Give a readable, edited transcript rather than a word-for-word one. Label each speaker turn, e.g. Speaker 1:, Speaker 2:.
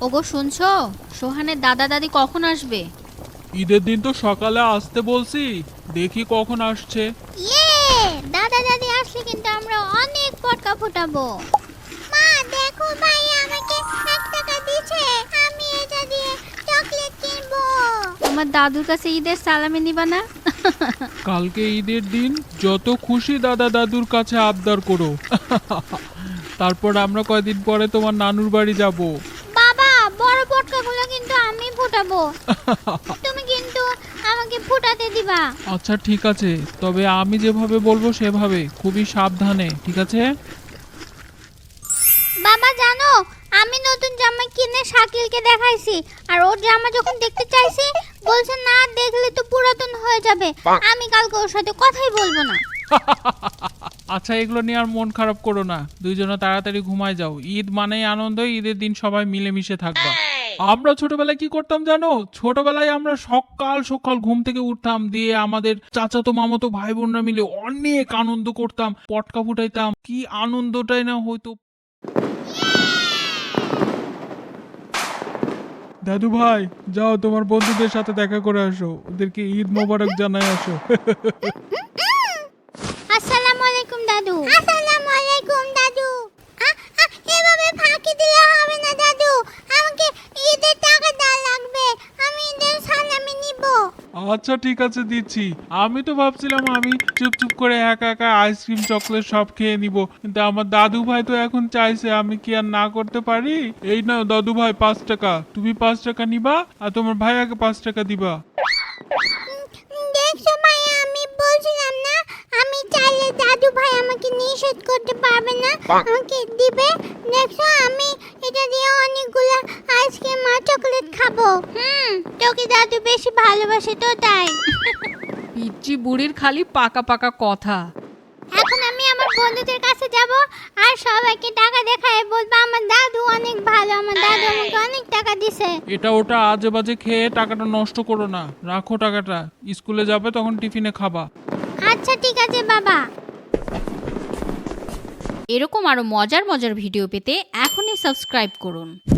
Speaker 1: ওগো শুনছো, সোহানের দাদা দাদি কখন আসবে?
Speaker 2: ঈদের দিন তো সকালে আসতে বলছি, দেখি কখন আসছে।
Speaker 3: দাদা দাদি আসলে কিন্তু আমরা অনেক পটকা ফুটাবো। মা দেখো ভাই আমাকে 1 টাকা দিয়েছে, আমি এটা দিয়ে চকলেট কিনবো।
Speaker 1: তোমার দাদুর কাছে ঈদের সালামি নিবা না?
Speaker 2: কালকে ঈদের দিন যত খুশি দাদা দাদুর কাছে আবদার করো। তারপর আমরা কয়দিন পরে তোমার নানুর বাড়ি যাব।
Speaker 3: বাবা বড় পটকাগুলো কিন্তু আমি ফুটাবো, তুমি কিন্তু আমাকে ফুটাতে দিবা।
Speaker 2: আচ্ছা ঠিক আছে, তবে আমি যেভাবে বলবো সেভাবে, খুবই সাবধানে, ঠিক আছে?
Speaker 3: বাবা জানো, আমি নতুন জামা কিনে শাকিলকে দেখাইছি, আর ওর জামা যখন দেখতে চাইছি বলছে না দেখলে তো পুরাতন হয়ে যাবে। আমি কালকে ওর সাথে কথাই বলবো না।
Speaker 2: আচ্ছা এগুলো নিয়ে আর মন খারাপ করো না, দুইজনে তাড়াতাড়ি ঘুমায় যাও। ঈদ মানেই আনন্দ, ঈদের দিন সবাই মিলেমিশে থাকবা। আমরা ছোটবেলায় কি করতাম জানো? ছোটবেলায় আমরা সকাল সকাল ঘুম থেকে উঠতাম, দিয়ে আমাদের চাচাতো মামাতো ভাই বোনরা মিলে অনেক আনন্দ করতাম, পটকা ফুটাইতাম, কি আনন্দটাই না হয়তো। দাদু ভাই যাও, তোমার বন্ধুদের সাথে দেখা করে আসো, ওদেরকে ঈদ মোবারক জানাই আসো।
Speaker 3: আসসালামু আলাইকুম দাদু। আসসালামু আলাইকুম দাদু। এভাবে ফাঁকি দিলে হবে না দাদু, আমাকে ঈদের টাকা দেওয়া লাগবে, আমি ঈদের সালামি নিব।
Speaker 2: আচ্ছা ঠিক আছে দিচ্ছি। আমি তো ভাবছিলাম আমি চুপ করে একা একা আইসক্রিম চকলেট সব খেয়ে নিব, কিন্তু আমার দাদু ভাই তো এখন চাইছে, আমি কি আর না করতে পারি? এই নাও দাদু ভাই 5 টাকা, তুমি 5 টাকা নিবা আর তোমার ভাইয়াকে 5 টাকা দিবা।
Speaker 3: দেখছো ভাইয়া, আমি বলছিলাম না আমি চাইলে দাদু ভাই আমাকে নিষেধ করতে পারবে না, আমাকে দিবে। দেখছো আমি এটা দিয়ে অনেকগুলো আইসক্রিম আর চকলেট খাবো। তোকে দাদু বেশি ভালোবাসে তো তাই।
Speaker 1: পিচ্চি বুড়ির খালি পাকা পাকা কথা।
Speaker 3: এখন আমি আমার বন্ধুদের কাছে যাব আর সবাইকে টাকা দেখায় বলবো আমার দাদু অনেক ভালো, আমার দাদু আমাকে অনেক টাকা দিছে।
Speaker 2: এটা ওটা আজে বাজে খেয়ে টাকাটা নষ্ট করো না, রাখো টাকাটা, স্কুলে যাবে তখন টিফিনে খাবা।
Speaker 3: আচ্ছা ঠিক আছে বাবা।
Speaker 1: এরকম আরো মজার মজার ভিডিও পেতে এখনই সাবস্ক্রাইব করুন।